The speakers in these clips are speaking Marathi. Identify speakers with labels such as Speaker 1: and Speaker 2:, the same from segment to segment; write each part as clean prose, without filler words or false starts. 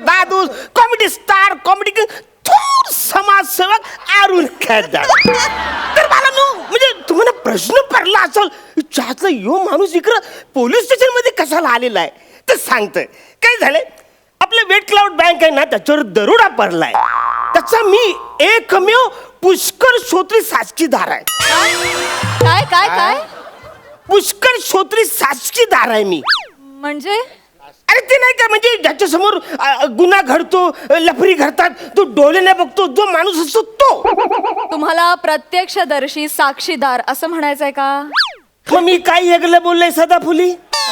Speaker 1: दादू, कॉमेडी स्टार, कॉमेडी थोर समाजसेवक अरुण खैरदार. तर मला म्हणजे तुम्हाला प्रश्न पडला असेल त्यातला यो माणूस इकडं पोलीस स्टेशन मध्ये कशाला आलेला आहे तर सांगतोय. काय झालंय, आपलं वेट क्लाउड बँक आहे ना त्याच्यावर दरोडा पडलाय. त्याचा मी एकमेव पुष्कर श्रोत्री साक्षीदार आहे.
Speaker 2: काय काय काय
Speaker 1: पुष्कर श्रोत्री साक्षीदार आहे मी.
Speaker 2: म्हणजे
Speaker 1: अरे ते नाही का, म्हणजे ज्याच्या समोर गुन्हा घडतो, लफरी घडतात, तो डोळ्याने बघतो, जो माणूस असतो तो.
Speaker 2: तुम्हाला प्रत्यक्षदर्शी साक्षीदार असं म्हणायचंय का?
Speaker 1: मग मी काय वेगळं बोललोय सदाफुली?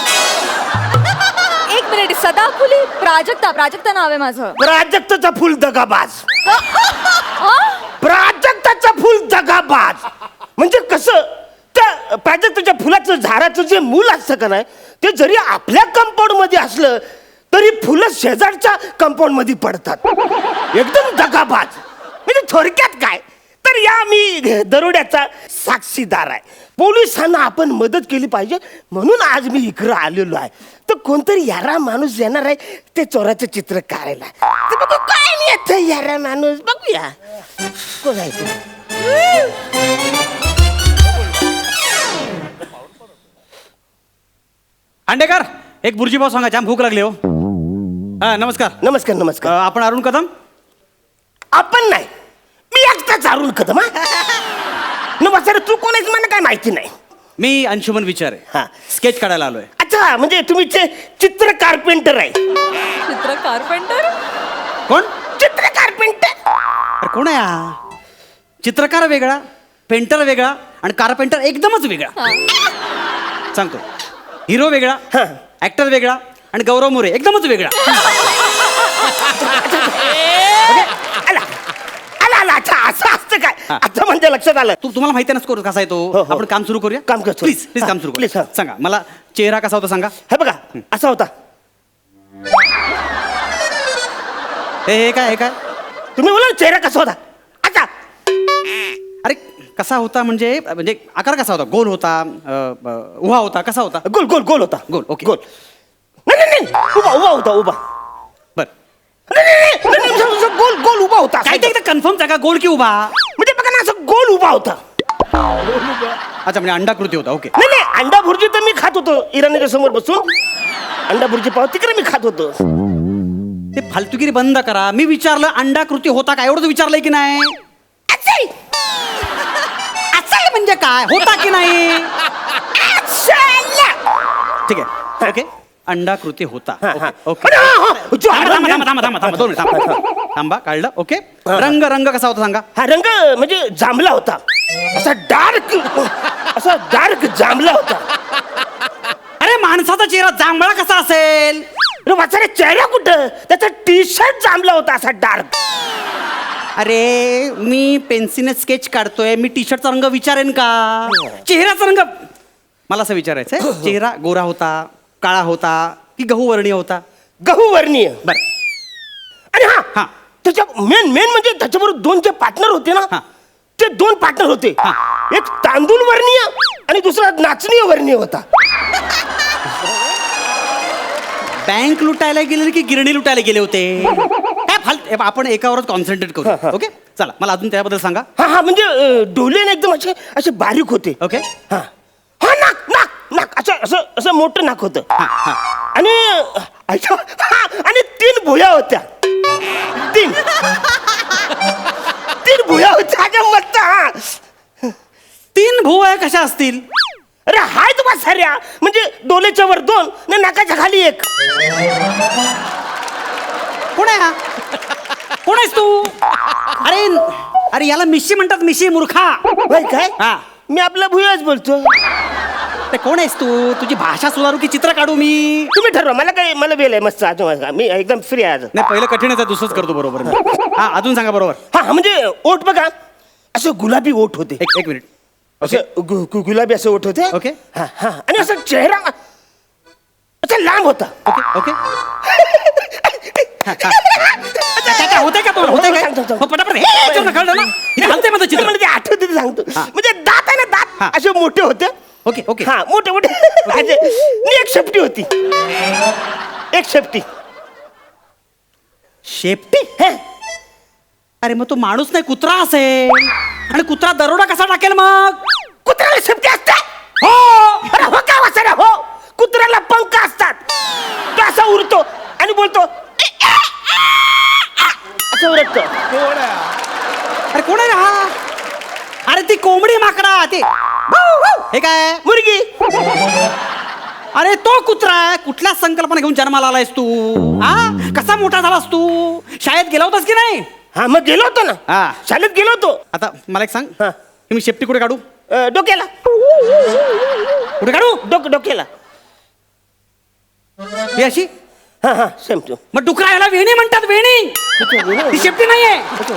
Speaker 2: एक मिनिट, सदाफुली प्राजक्ता नाव आहे माझं.
Speaker 1: प्राजक्ताचा फुल दगाबाज.
Speaker 2: हा?
Speaker 1: प्राजक्ताचा फुल दगाबाज म्हणजे कसं, त्या प्राजक्ताच्या फुलाचं झाडाचं जे मूल असतं का नाही, ते जरी आपल्या कंपाऊंड मध्ये असलं तरी फुलं शेजारच्या कंपाऊंड मध्ये पडतात. एकदम दगाबाज. म्हणजे थोडक्यात काय, तर या मी दरोड्याचा साक्षीदार आहे. पोलिसांना आपण मदत केली पाहिजे म्हणून आज मी इकडं आलेलो आहे. तर कोणतरी यारा माणूस येणार आहे ते चोराचं चित्र काढायला. तर बघू काय नाही येत यारा माणूस, बघूया कोण आहे ते.
Speaker 3: अंडेकर, एक बुर्जी पाव सांगा, जाम भूक लागली हो. हा नमस्कार.
Speaker 1: नमस्कार नमस्कार.
Speaker 3: आपण अरुण कदम?
Speaker 1: आपण नाही, मी एकटाच अरुण कदम. नमस्कार. तू कोण आहेस मला काय माहिती नाही.
Speaker 3: मी अंशुमन विचार
Speaker 1: हा.
Speaker 3: आहे, स्केच काढायला आलोय.
Speaker 1: अच्छा, म्हणजे तुम्ही चित्र कारपेंटर आहे.
Speaker 2: चित्र कारपेंटर?
Speaker 3: कोण?
Speaker 1: चित्र कारपेंटर.
Speaker 3: अरे कोण आहे हा? चित्रकार वेगळा, पेंटर वेगळा आणि कारपेंटर एकदमच वेगळा. सांगतो, हिरो वेगळा,
Speaker 1: हा.
Speaker 3: ऍक्टर वेगळा आणि गौरव मोरे एकदमच वेगळा.
Speaker 1: आला आला आला. अच्छा, असं असतं काय?
Speaker 3: हा.
Speaker 1: आता म्हणजे लक्षात आलं.
Speaker 3: तुम्हाला माहिती आहे ना स्कोर कसा आहे
Speaker 1: हो,
Speaker 3: तो.
Speaker 1: हो.
Speaker 3: आपण काम सुरू करूया.
Speaker 1: काम करतो.
Speaker 3: प्लीज प्लीज
Speaker 1: हा,
Speaker 3: काम सुरू
Speaker 1: प्लीज,
Speaker 3: करूया.
Speaker 1: हा.
Speaker 3: सांगा मला, चेहरा कसा होता सांगा.
Speaker 1: हे बघा, असा होता.
Speaker 3: हे काय, हे काय?
Speaker 1: तुम्ही बोला ना, चेहरा कसा होता. अच्छा,
Speaker 3: अरे कसा होता म्हणजे म्हणजे आकार कसा होता? गोल होता, उभा होता, कसा होता?
Speaker 1: गोल गोल गोल होता.
Speaker 3: गोल, ओके.
Speaker 1: गोल. नाही नाही नाही, उभा उभा होता, उभा.
Speaker 3: बर,
Speaker 1: नाही नाही नाही, नाही, असं गोल गोल उभा होता.
Speaker 3: काय ते एकदा कन्फर्म सांगा, गोल की उभा?
Speaker 1: म्हणजे बघा ना, असं गोल उभा होता.
Speaker 3: अच्छा, म्हणजे अंडाकृती होता. ओके.
Speaker 1: नाही नाही, अंडा भुर्जी तर मी खात होतो इराणीच्या समोर बसून. अंडा भुर्जी पाव तिकडे मी खात होतो.
Speaker 3: ते फालतुगिरी बंद करा. मी विचारलं अंडाकृती होता का, एवढंच विचारलंय की नाही?
Speaker 1: असेल.
Speaker 3: असेल म्हणजे काय, होता की नाही?
Speaker 1: असेल.
Speaker 3: ठीक आहे, ओके. अंडाकृती होता.
Speaker 1: हा, हा.
Speaker 3: ओके,
Speaker 1: अरे, हा, हा. जो
Speaker 3: थांबा,
Speaker 1: आडवा-
Speaker 3: थांबा, थांबा, थांबा, थांबा, 2 मिनिट थांबा. थांबा, काढलं. ओके. रंग, रंग कसा होता सांगा.
Speaker 1: हा रंग म्हणजे जांभला होता. असा डार्क जांभला होता.
Speaker 3: अरे माणसाचा चेहरा जांभळा कसा असेल?
Speaker 1: अरे वाचारे, चेहरा कुठं, त्याचा टी शर्ट जांभला होता असा डार्क.
Speaker 3: अरे मी पेन्सिलने स्केच काढतोय, मी टी शर्टचा रंग विचारेन का? चेहऱ्याचा रंग मला असं विचारायचंय. चेहरा गोरा होता, काळा होता की गहू वर्णीय होता?
Speaker 1: गहू वर्णीय.
Speaker 3: बर.
Speaker 1: आणि
Speaker 3: हा.
Speaker 1: हा, त्याच्या मेन म्हणजे त्याच्याबरोबर 2 जे पार्टनर होते ना,
Speaker 3: हा.
Speaker 1: ते 2 पार्टनर होते.
Speaker 3: हा.
Speaker 1: एक तांदूळ वर्णीय आणि दुसरा नाचणीय वर्णीय होता.
Speaker 3: बँक लुटायला गेले की गिरणी लुटायला गेले होते? काय आपण एकावरच कॉन्सन्ट्रेट करू. ओके, चला मला अजून त्याबद्दल सांगा.
Speaker 1: हा हा, म्हणजे डोळे ना एकदम असे असे बारीक होते.
Speaker 3: ओके.
Speaker 1: हा हा, नाक नाक नाक असं असं असं मोठं नाक होतं. आणि अच्छा, हा, आणि 3 भुया होत्या. 3 भुया होत्या. अगं मस्त. हा,
Speaker 3: 3 भुवया कशा असतील?
Speaker 1: अरे हाय तुम्हा साऱ्या, म्हणजे डोलेच्या वर 2 ना नाकाच्या खाली 1.
Speaker 3: कोण आहे हा? कोण आहेस तू? अरे अरे याला मिशी म्हणतात, मिशी मूर्खा.
Speaker 1: होय काय?
Speaker 3: हा.
Speaker 1: मी आपला भुयाच बोलतो.
Speaker 3: ते कोण आहेस तू? तुझी भाषा सुधारू की चित्र काढू मी?
Speaker 1: तुम्ही ठरवा. मला वेळ आहे मस्त. आज मी एकदम फ्री आहे आज.
Speaker 3: नाही, पहिलं कठीणच आहे, दुसरंच करतो बरोबर मी. हा, अजून सांगा बरोबर.
Speaker 1: हा, म्हणजे ओठ बघा, असं गुलाबी ओठ होते.
Speaker 3: एक मिनिट.
Speaker 1: असं गुलाबी असं ओठ होते.
Speaker 3: ओके.
Speaker 1: हा हा, आणि असं चेहरा असा लांब होता.
Speaker 3: Okay okay. काय होतंय का? होतंय काय?
Speaker 1: सांग.
Speaker 3: हो, पटापट. हे चित्र कळलं ना? इथे हलतंय माझं चित्र.
Speaker 1: मला ते आठवते ते सांगतो.
Speaker 3: हा.
Speaker 1: म्हणजे दात आहे ना,
Speaker 3: हा.
Speaker 1: दात असे मोठे होते.
Speaker 3: Okay okay.
Speaker 1: हा, मोठे मोठे. आणि एक शेपटी होती. एक शेपटी.
Speaker 3: शेपटी अरे मग तो माणूस नाही कुत्रा असेल आणि कुत्रा दरोडा कसा टाकेल मग
Speaker 1: कुत्र्याला शेपटी असते
Speaker 3: हो
Speaker 1: अरे हो काय वाचना हो कुत्र्याला पंख असतात तो असा उरतो आणि बोलतो असं उरतो
Speaker 3: अरे कोण आहे हा अरे ती कोंबडी माकडा ते हे काय
Speaker 1: मुर्गी
Speaker 3: अरे तो कुत्रा आहे कुठल्या संकल्पना घेऊन जन्माला आलायस तू हा कसा मोठा झालास तू शाळेत गेला होतास की नाही
Speaker 1: हा मग गेलो होतो ना
Speaker 3: हा.
Speaker 1: शाळेत गेलो होतो
Speaker 3: आता मला एक सांग
Speaker 1: हा.
Speaker 3: मी शेपटी कुठे काढू
Speaker 1: डोक्याला
Speaker 3: कुठे काढू
Speaker 1: डोक्याला
Speaker 3: ही अशी
Speaker 1: हा हा सेम टू
Speaker 3: मग डुकरा याला वेणी म्हणतात वेणी ती शेपटी नाहीये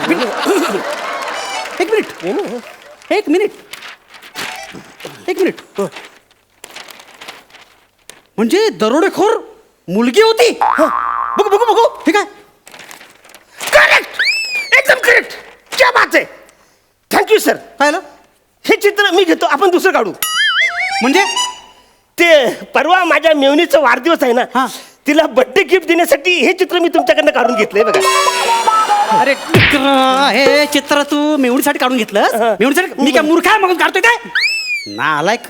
Speaker 3: एक मिनिट म्हणजे दरोडेखोर मुलगी होती
Speaker 1: बघू
Speaker 3: ठीक आहे
Speaker 1: करेक्ट एकदम करेक्ट क्या बात आहे थँक्यू सर
Speaker 3: काय झालं?
Speaker 1: हे चित्र मी घेतो आपण दुसरं काढू
Speaker 3: म्हणजे
Speaker 1: ते परवा माझ्या मेवणीचा वाढदिवस आहे
Speaker 3: हा.
Speaker 1: ना तिला बर्थडे गिफ्ट देण्यासाठी हे चित्र मी तुमच्याकडनं काढून घेतलंय बघा
Speaker 3: अरे हे चित्र तू मेवणीसाठी काढून घेतलं मेवणीसाठी मी काय मूर्ख आहे मग काढतोय काय ना आलायक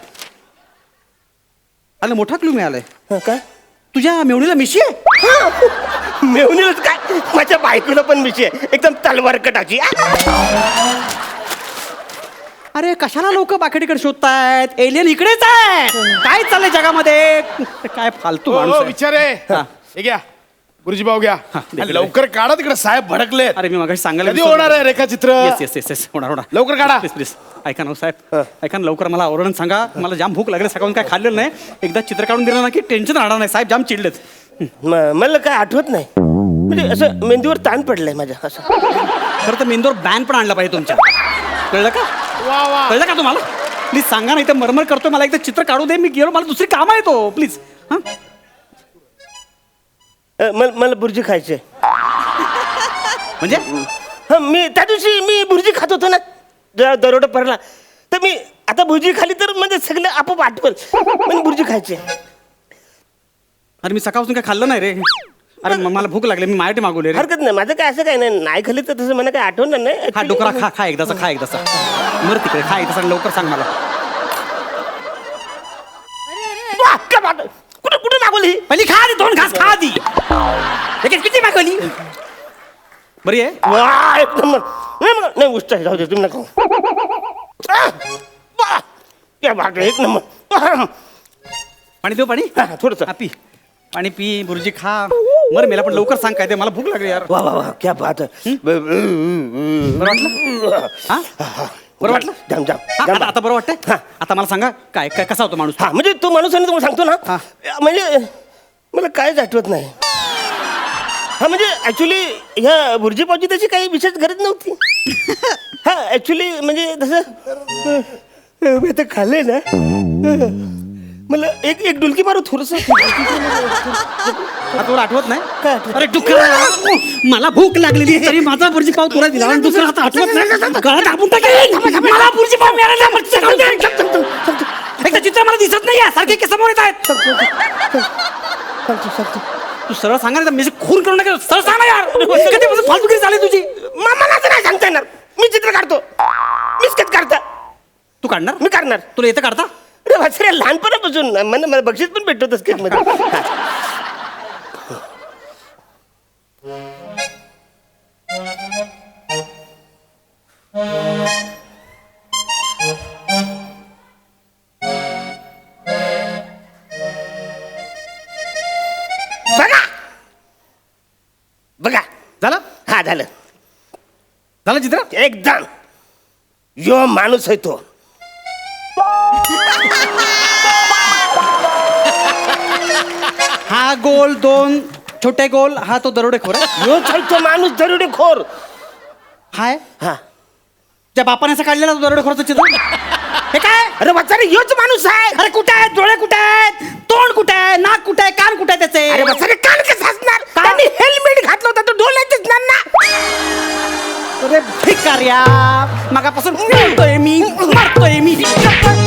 Speaker 3: अरे मोठा क्लू मिळालाय
Speaker 1: काय
Speaker 3: तुझ्या मेवणीला मिशी आहे
Speaker 1: मेवणीलाच काय माझ्या बायकोला पण मिशी आहे एकदम तलवार कटाची
Speaker 3: अरे कशाला लोक बाकीकडे शोधतायत एलियन इकडेच आहे काय चाललंय जगामध्ये काय फालतू माणूस आहे.
Speaker 4: विचारे
Speaker 3: हा.
Speaker 4: हे घ्या गुरुजी भाऊ घ्या
Speaker 3: दे.
Speaker 4: आणि लवकर काढा तिकडे साहेब भडकले
Speaker 3: अरे मी मगाशी सांगायला
Speaker 4: कधी होणार आहे रेखाचित्र
Speaker 3: येस होणार
Speaker 4: लवकर काढा.
Speaker 3: प्लीज ऐका ना साहेब ऐका ना लवकर मला आवरण सांगा मला जाम भूक लागली सकाळून काय खाल्लेलं नाही एकदा चित्र काढून दिलं ना की टेन्शन राहणार नाही साहेब जाम चिडलेत
Speaker 1: मला काय आठवत नाही म्हणजे असं मेंदूवर ताण पडलाय माझ्या असं
Speaker 3: खरं तर मेंदूवर बॅन पण आणला पाहिजे तुमच्या कळलं का
Speaker 4: वा वा
Speaker 3: कळलं का तुम्हाला प्लीज सांगा नाही तर मरमर करतोय मला एकदा चित्र काढू दे मी गेलो मला दुसरी काम आहे तो प्लीज हां
Speaker 1: मला बुर्जी खायची
Speaker 3: म्हणजे
Speaker 1: हा मी त्या दिवशी मी बुर्जी खात होतो ना जेव्हा दरोडा पडला तर मी आता भुर्जी खाली तर म्हणजे सगळं आपोआप आठवल पण बुर्जी खायची
Speaker 3: अरे मी सकाळपासून काय खाल्लं नाही रे अरे मला भूक लागली मी माझ्यासाठी मागवले रे
Speaker 1: हरकत नाही माझं काय असं काय नाही खाल्ली तर तसं मला काय आठवणार नाही
Speaker 3: हा
Speaker 1: Actually,
Speaker 3: डोकरा खा एकदाचा मर तिकडे खा एकदाचा आणि लवकर सांग मला
Speaker 1: वाह, क्या बात आहे. कुठे मागवली ही?
Speaker 3: पहिली खा आधी 2 घास खा आधी लगेच किती मागवली बरी आहे
Speaker 1: वाह, एक नंबर नाही उष्ट आहे जाऊ दे तुम्ही नका वाह, क्या बात आहे, एक नंबर
Speaker 3: पाणी देऊ पाणी
Speaker 1: थोडस
Speaker 3: हा, पी पाणी पी बुर्जी खा मर मेला पण लवकर सांग काय ते मला भूक लागली यार
Speaker 1: वा वा वा क्या बात आहे
Speaker 3: बरं वाटलं हा बरं वाटलं
Speaker 1: जाम जाम
Speaker 3: हा,
Speaker 1: जाम.
Speaker 3: आता बरं वाटतंय
Speaker 1: हा.
Speaker 3: आता मला सांगा काय काय कसा होतो माणूस
Speaker 1: हा म्हणजे तो माणूस आहे ना तुम्हाला सांगतो
Speaker 3: हा.
Speaker 1: ना म्हणजे मला कायच आठवत नाही हा म्हणजे ऍक्च्युली ह्या बुर्जी पावची त्याची काही विशेष गरज नव्हती हा ऍक्च्युली म्हणजे तसं मी आता खाल्ले ना मला एक डुलकी मारू थोडस
Speaker 3: आता तुला आठवत नाही
Speaker 1: काय आठवत?
Speaker 3: अरे डुकरा मला भूक लागलेली तरी माझा बुर्जी पाव तुला दिला आणि दुसरा आता आठवत नाही गळा दाबून टाकेल मला बुर्जी पाव मिळाला नाही, मच्छर खाऊ दे. एकदा चित्र मला दिसत नाही सारखे के समोर येत आहेत तू सरळ सांगा ना मी खून करू नका सरळ सांग ना यार कधीपासून फालतूगिरी झाली तुझी
Speaker 1: मला तर नाही सांगता येणार मी चित्र काढतो मीच कच काढता
Speaker 3: तू काढणार
Speaker 1: मी काढणार
Speaker 3: तुला येतं काढता
Speaker 1: अरे वासरे लहानपणापासून मला बक्षीस पण भेटतो स्केच मध्ये हा. बघा बघा
Speaker 3: झालं
Speaker 1: हा झालं
Speaker 3: झालं चित्र
Speaker 1: एकदम यो माणूस आहे तो
Speaker 3: हा गोल 2 छोटे गोल हा तो दरोडेखोर आहे.
Speaker 1: यो तो माणूस दरोडे खोर
Speaker 3: हाय
Speaker 1: हा
Speaker 3: त्या बापाने असं काढलेला तो दरोडेखोरचं चित्र हे काय
Speaker 1: अरे वाचारे योच माणूस आहे
Speaker 3: अरे कुठे आहेत डोळे कुठे आहेत तोंड कुठे आहे नाक कुठे आहे कान कुठे आहे त्याचे
Speaker 1: अरे वाचारे कान कसं असणार त्यांनी हेल्मेट घातलं होतं तो डोळ्यात दिसणार ना
Speaker 3: अरे भिकार्या मगापासून मारतोय मी